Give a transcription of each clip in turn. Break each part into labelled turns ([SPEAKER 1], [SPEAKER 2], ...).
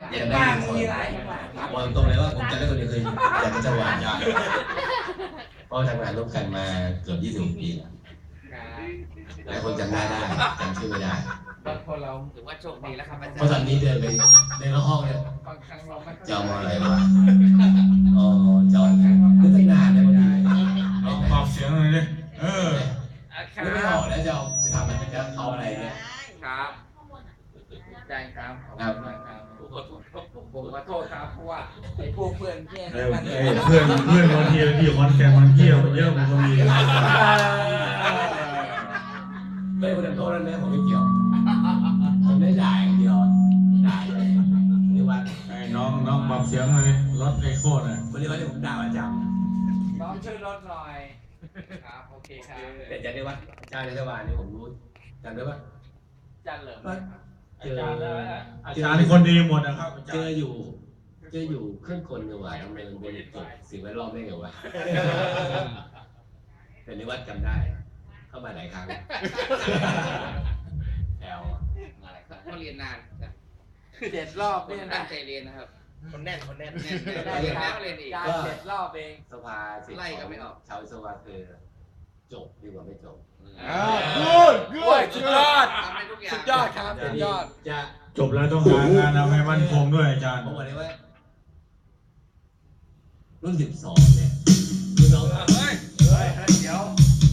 [SPEAKER 1] จะได้คนวางตรงเลยว่าผมจะได้คนเดียวคืออยากจะหวานยาเพราะทำงานร่วมกันมาเกือบ20 ปีแล้วหลายคนจำได้จำชื่อไม่ได้
[SPEAKER 2] บางคนเราถือว่าโชคดีแล้วครับอาจารย์
[SPEAKER 1] เพราะตอนนี้เดินไปในห้องเนี่ยจะเอามาอะไรวะอ๋อจอดนึกตั้งนานเลยวันนี้
[SPEAKER 3] เอาปรับเสียงหน่อยดิ
[SPEAKER 1] นึกไม่ออกแล้วจะถามมันจะเอาอะไรเนี่ย
[SPEAKER 2] ครับได้ครับผมขอโทษครับเพราะว่าไอ้พวกเพื่อนแย่งกัน
[SPEAKER 3] เพื่อนบางทีที่คอนแกนมันเที่ยวเยอะมันก็มี
[SPEAKER 1] ไม่คนโทษนั่นแม่ผมไม่เกี่ยวผมได้ด่าอย่างเดียวด่านี่ว่า
[SPEAKER 3] น้องปรับเสียงหน่อยลดไอโคตรอ่ะ
[SPEAKER 1] วันนี้ผมด่าประจ
[SPEAKER 2] ำน้องช่วยลดหน่อยครับโอเคครับ
[SPEAKER 1] แต่จะได้ว่าอาจารย์ในสวรรค์นี่ผมรู้จำได้ปะ
[SPEAKER 2] อาจารย์เหลิม
[SPEAKER 3] อาจารย์คนดีหมดนะครับ
[SPEAKER 1] เจออยู่เครื่องกลดีกว่าทำไมมันเป็นจบสิ่งแวดล้อมได้ไงวะแต่นิวัฒน์จำได้เข้ามาหลายครั้งแอล
[SPEAKER 2] อะไรครับเขาเรียนนาน7 รอบเนี่ยตั้งใจเรียนนะครับ
[SPEAKER 4] คนแน่น
[SPEAKER 2] ได้ครับเรียนอีก7 รอบเอง
[SPEAKER 1] สภา
[SPEAKER 2] ไล่ก็ไม่ออก
[SPEAKER 1] ชาวสภาคือจบดีกว่าไม่จบ
[SPEAKER 2] สุดยอดทำให้ทุกอย่างสุดยอดครับสุดยอด
[SPEAKER 1] จะ
[SPEAKER 3] จบแล้วต้องหางานทำให้มั่นคงด้วยอาจารย์
[SPEAKER 1] ผมบอกเลยว่ารุ่น12เนี่ยรุ่นน้อง
[SPEAKER 2] เฮ้ยเดี๋ยว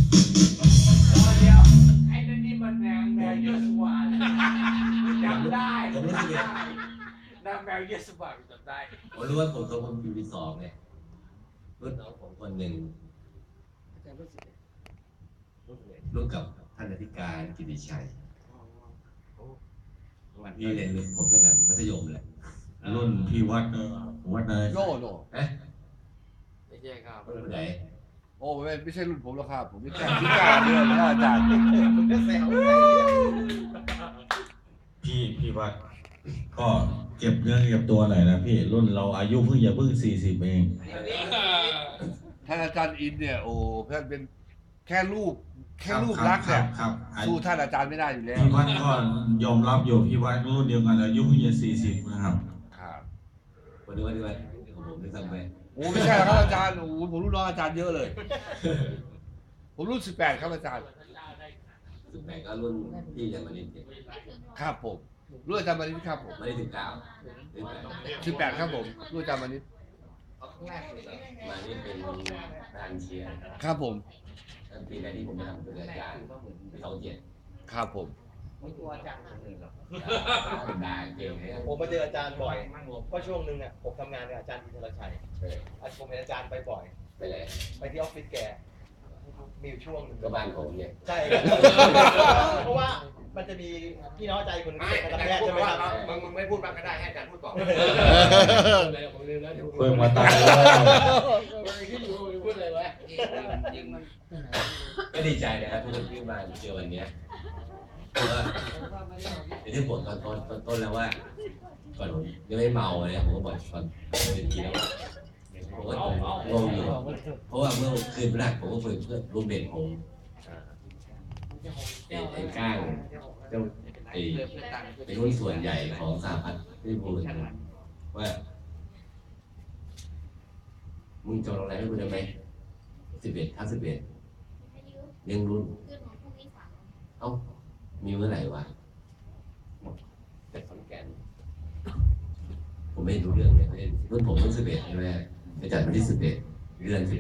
[SPEAKER 2] ไอ้นั่นนี่มันแมวเยอะสวรรค์จำได้
[SPEAKER 1] ผมรู้สึก
[SPEAKER 2] นางแมวเยอะสวรรค์จำได้
[SPEAKER 1] ผมรู้ว่าผมอยู่ปี2เนี่ยรุ่นน้องผมคนหนึ่งรุ่นกับท่านอธิการกิติชัยพี่เรียนผมตั้งแต่มัธยมแหละ
[SPEAKER 3] รุ่นพี่วัดอะไร
[SPEAKER 4] โน่
[SPEAKER 2] ไม่ใช่ครับ
[SPEAKER 1] รุ่นไหน
[SPEAKER 4] โอ้ไม่ใช่รุ่นผมหรอกครับผมไม่ใช่พิการด้วยนะอาจารย์
[SPEAKER 2] ผมก็แซว
[SPEAKER 3] พี่วัดก็เก็บเนื้อเก็บตัวหน่อยนะพี่รุ่นเราอายุเพิ่ง40เอง
[SPEAKER 4] ท่านอาจารย์อินเนี่ยโอ้เพื่อนเป็นแค่รูปลักษณ์เนี่ยสู้ท่านอาจารย์ไม่ได้อยู่แล้ว
[SPEAKER 3] พี่วัดก็ยอมรับอยู่พี่วัดรุ่นเดียวกันอายุเพิ่งจะ40นะครับ
[SPEAKER 1] วันนี้ของผมได้ทำไป
[SPEAKER 4] โอ้ไม่ใช่ครับอาจารย์โอ้ผมรุ่นน้องอาจารย์เยอะเลยผมรุ่น18ครับอาจารย์
[SPEAKER 1] 18ก็รุ่นพี่ยังมาเรียน
[SPEAKER 4] ครับผมรุ่นอาจารย์มานิดครับผม
[SPEAKER 1] ไม่ได้ถึง
[SPEAKER 4] 18ครับผมรุ่นอาจารย์มานิด
[SPEAKER 1] มานี่เป็นการเชียร์
[SPEAKER 4] ครับผม
[SPEAKER 1] ปีแรกที่ผมทำเป็นอาจารย์ปี27
[SPEAKER 4] ครับผม
[SPEAKER 2] ไม่กลัวอาจารย์คนอื่นหรอก
[SPEAKER 1] ด่าเก่งเลย
[SPEAKER 4] ผมมาเจออาจารย์บ่อยเพราะช่วงนึงเนี่ยผมทำงานกับอาจารย์อินทรชัยผมเห็นอาจารย์ไปบ่อย
[SPEAKER 1] ไปเลย
[SPEAKER 4] ไปที่ออฟฟิศแกมีช่วงนึง
[SPEAKER 1] ก็บ้านผมเนี่ย
[SPEAKER 4] ใช่เพราะว่ามันจะมีพี่น้องใจคนนึงเป็นแพทย์ใช่ไหมครับ
[SPEAKER 2] มึงไม่พูดบ้างก็ได้ให้อาจารย์พูดก่อน
[SPEAKER 3] เพิ่งมาตายแล้ว
[SPEAKER 2] พูดเลยวะจริงมัน
[SPEAKER 1] ก็ดีใจนะครับทุกคนที่มาเจอวันนี้เพราะว่าอย่างที่ผมตอนต้นแล้วว่าก่อนผมยังไม่เมาเลยผมก็บอกก่อนเป็นทีแล้วผมก็งงอยู่เพราะว่าเมื่อคืนแรกผมก็คุยเพื่อนรูมเมทผมไอ้ก้างเจ้าไอ้หุ้นส่วนใหญ่ของสหพัฒน์ที่พูดว่ามึงจองโรงแรมให้กูได้ไหม11 เลี้ยงรุ่นเอ้ามีเมื่อไหร่วะแต่ขอนแก่นผมไม่รู้เรื่องเลยรุ่นผมรุ่น11ใช่ไหมไปจัดวันที่11 เดือน11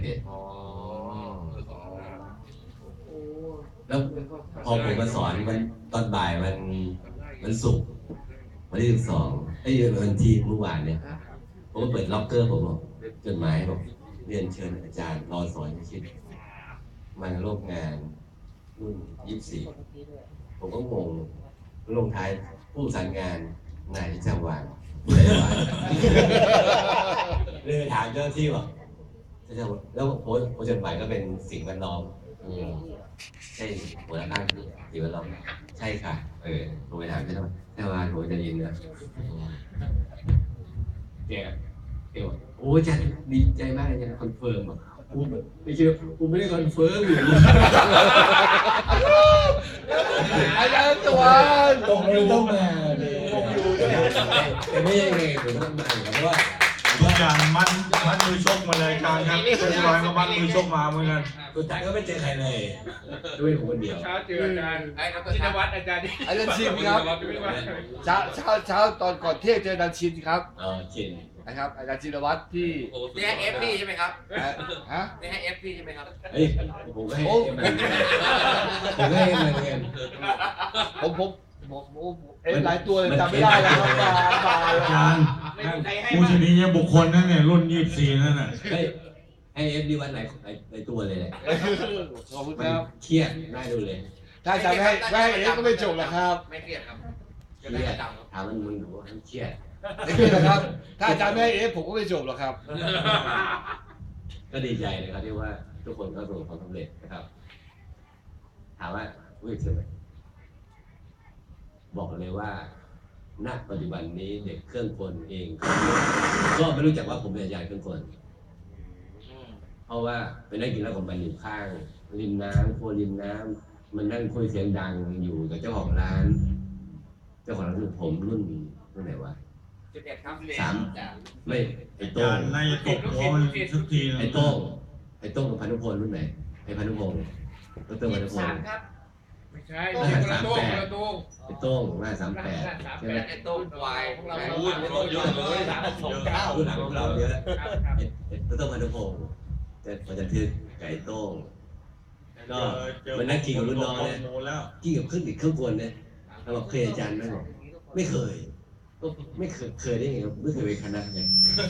[SPEAKER 1] แล้วพอผมมาสอนมันตอนบ่ายมันศุกร์วันที่12ไอ้วันที่เมื่อวานเนี่ยผมก็เปิดล็อกเกอร์ผมบอกจดหมายบอกเรียนเชิญอาจารย์รอสอนชิดมาร่วมงานรุ่น24ผมก็งงลงท้ายผู้สานงานนายที่จังหวัดเลยถามเจ้าที่ว่าแล้วโพสจดหมายก็เป็นสิ่งแวดล้อมใช่หัวหน้าข้างสิ่งแวดล้อมใช่ค่ะผมไปถามเจ้าว่าผมจะยินนะแกโอ้จันดีใจมากเลยจันคอนเฟิร์มอ่ะกูไม่เชื่อกูไม่ได้คอนเฟิร์มอยู่
[SPEAKER 4] อาจารย์ตัว
[SPEAKER 1] ตรงเลยต้องมาเลยแต่ไม่ใช่ไงผมต้องมาเพราะว่า
[SPEAKER 3] ทุกอย่างมัดมือชกมาเลยอาจารย์ครับเรียบร้อยก็มัดมือชกมาเหมือนกัน
[SPEAKER 1] สุดท้ายก็ไม่เจอใครเลยด้วยผมคนเดียว
[SPEAKER 2] เช้าเจออาจารย์ชินวัตรอาจารย์
[SPEAKER 4] อาจารย์ชินครับเช้าตอนก่อนเที่ยงเจออาจารย์ชินครับ
[SPEAKER 1] ชิน
[SPEAKER 4] นะครับอาจารย์ชินวัตรที่
[SPEAKER 5] นี่ให้เอฟพี่ใช่ไหมครับ
[SPEAKER 4] ฮะ
[SPEAKER 5] นี่ให้เอฟพี่ใช่ไหมครับ
[SPEAKER 1] เฮ้ยผมก็ให้ผมก็ให้มาเรียน
[SPEAKER 4] ผมหลายตัวเลยจำไม่ได้แล้วครับมา
[SPEAKER 3] อาจารย์ผู้ชนิดบุคคลนั่นเนี่ยรุ่น24นั่นน่ะ
[SPEAKER 1] ให้เอฟดีวันไหนในตัวเลย
[SPEAKER 4] ขอบคุณ
[SPEAKER 1] มั
[SPEAKER 4] คน รับ
[SPEAKER 1] เครียดได้ดูเลย
[SPEAKER 4] ถ้าอาจารย์ไม่ให้เอ็กก็ไม่จบหรอกครับ
[SPEAKER 5] ไม่เครียดครับ
[SPEAKER 1] เครียดถามมันดูว่าเครียด
[SPEAKER 4] ไม่เครียดหรอกครับ ถ้าอาจารย์ไม่ให้เอ็กผมก็ไม่จบหรอกครับ
[SPEAKER 1] ก็ดีใจนะครับที่ว่าทุกคนก็ประสบความสำเร็จนะครับถามว่ารู้สึกไหมบอกเลยว่าณปัจจุบันนี้เด็กเครื่องกลเองก็ไม่รู้จักว่าผมเป็นอาจารย์เครื่องกลเพราะว่าไปนั่งกินแล้วผมมันอยู่ข้างริมน้ำโคริมน้ำมันนั่งคุยเสียงดังอยู่กับเจ้าของร้านเจ้าของร้านคือผมรุ่นไหนวะ
[SPEAKER 5] 11ครับ
[SPEAKER 1] ไม่ไอ้
[SPEAKER 3] อา
[SPEAKER 1] โต้
[SPEAKER 3] จาง รย์น่าจะตกหัวมันสักทีนึง
[SPEAKER 1] ไอ้โต้งกับพานุพลรุ่นไหนไอ้พานุพงศ์ดรพานุพงศ์
[SPEAKER 5] ครับ
[SPEAKER 2] ไม่ใช่คนละตัว
[SPEAKER 1] ไอ้โต้งหน้า38ใช่ไหม
[SPEAKER 5] ไอ้โต้งวายของเรา
[SPEAKER 3] เยอะเลย
[SPEAKER 1] รุ่นหลังของเราเยอะดรพานุพงศ์มันจะทึกไก่โต้งก็มันนั่งกินกับรุ่นน้องเนี่ยกินกับเครื่องกลเนี่ยเราบอกเคยอาจารย์ไหมบอกไม่เคยก็ไม่เคยได้ไงครับไม่เคยไปคณะไง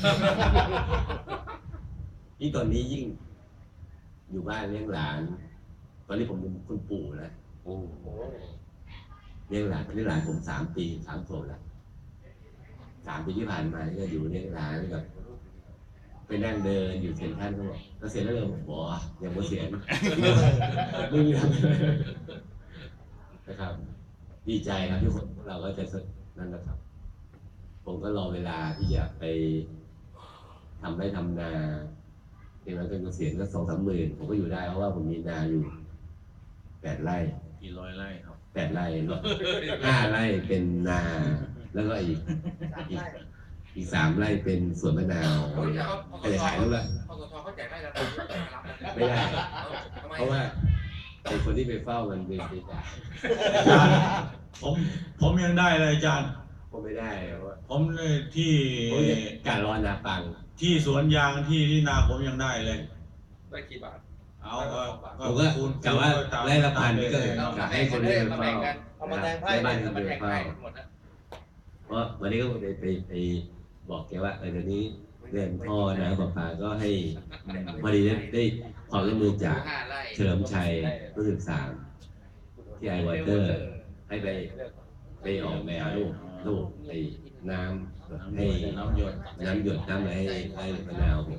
[SPEAKER 1] ยิ่งตอนนี้ยิ่งอยู่บ้านเลี้ยงหลานตอนนี้ผมเป็นคุณปู่แล้วเลี้ยงหลานผม3 ปี3 ขวบแล้ว3 ปีที่ผ่านมาก็อยู่เลี้ยงหลานกับไปนั่งเดินอยู่เซ็นทรัลเขาบอกเกษียณแล้วเลยผมบอกยังไม่เกษียณไม่มีทำนะครับดีใจครับที่เราก็จะนั่นนะครับ ผมก็รอเวลาที่จะไปทำไร่ทำนาถึงแม้เป็นเกษียณก็2-3 หมื่นผมก็อยู่ได้เพราะว่าผมมีนาอยู่8 ไร่
[SPEAKER 3] กี่ร้อยไร่ครับ
[SPEAKER 1] 8 ไร่5 ไร่เป็นนาแล้วก็อีก 3 ไร่เป็นสวนมะนาวก็จะขายแล้วละ
[SPEAKER 5] พสชเขาแจกได้แล้ว
[SPEAKER 1] ไม่ได้เพราะว่าไอ้คนที่ไปเฝ้ามันเป็นจ่าย
[SPEAKER 3] อาจารย์ผมยังได้เลยอาจารย์
[SPEAKER 1] ผมไม่ได้เพราะว่า
[SPEAKER 3] ผมที่
[SPEAKER 1] การรอนาปัง
[SPEAKER 3] ที่สวนยางที่นาผมยังได้เลย
[SPEAKER 2] ได้กี่บาท
[SPEAKER 3] เอา
[SPEAKER 1] ผมก็กะว่าไร่ละพันนี่ก็กะให้คนที่ไปเฝ้า
[SPEAKER 5] เอามาแทงไพ่
[SPEAKER 1] ในบ้าน
[SPEAKER 5] เอา
[SPEAKER 1] คน
[SPEAKER 5] มา
[SPEAKER 1] ที่
[SPEAKER 5] แท
[SPEAKER 1] ไป
[SPEAKER 5] งไพ่
[SPEAKER 1] เฝ้า
[SPEAKER 5] หมดนะ
[SPEAKER 1] เพราะวันนี้ก็ไปบอกแกว่าเดี๋ยวนี้เรื่องพ่อนะป้าก็ให้พอดีได้ความร่วมมือจาก
[SPEAKER 5] 5 ไร่
[SPEAKER 1] เฉลิมชัยรู้สึก3ที่ไอวอเตอร์ให้ไปออกแบบรูปไอ้น้ำให้น้ำหยดน้ำอะไรให้มะนาว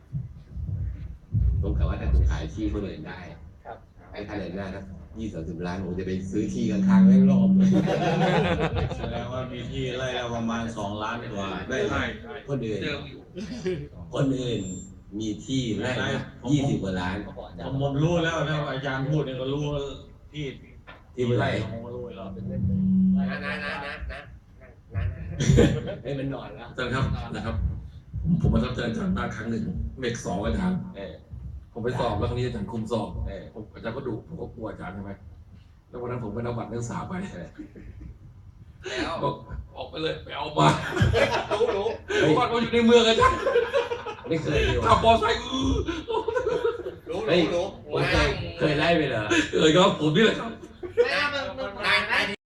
[SPEAKER 1] ผมกะว่าถ้าผมขายที่คนอื่นได้ให้ท่านเดินหน้านะ20-30 ล้านผมจะไปซื้อที่ข้างๆให้รอบ
[SPEAKER 3] แสดงว่ามีที่ไร่ละประมาณ2 ล้านกว่า
[SPEAKER 1] ได้คนอื่น
[SPEAKER 5] เดิมอยู่
[SPEAKER 1] คนอื่นมีที่ไร่20 กว่าล้าน
[SPEAKER 3] ผมรู้แล้วนะอาจารย์พูดเนี่ยก็รู้ที่
[SPEAKER 1] ที่เมื่อไหร่
[SPEAKER 3] ผมก็รู้แล้ว
[SPEAKER 1] ให้มันนอนแล้ว
[SPEAKER 6] อาจารย์ครับนะครับ ผมประทับใจอาจารย์มากครั้งหนึ่งเมก2อาจารย์ผมไปสอบแล้วครั้งนี้อาจารย์คุมสอบผมอาจารย์ก็ดุผมก็กลัวอาจารย์ใช่ไหมแล้ววันนั้นผมไปเอาบัตรนักศึกษาไป
[SPEAKER 5] แล้ว
[SPEAKER 6] บอกออกไปเลยไปเอามา
[SPEAKER 5] รู้
[SPEAKER 6] บัตรมาอยู่ในเมืองอาจารย์
[SPEAKER 1] ไม่เคยดี
[SPEAKER 6] ขับ
[SPEAKER 1] วะ
[SPEAKER 6] มอไซค์
[SPEAKER 1] เฮ้ยผมเคยไล่ไปเหรอ
[SPEAKER 6] ครับผมนี่แหละครับ
[SPEAKER 5] ไม่เอามัน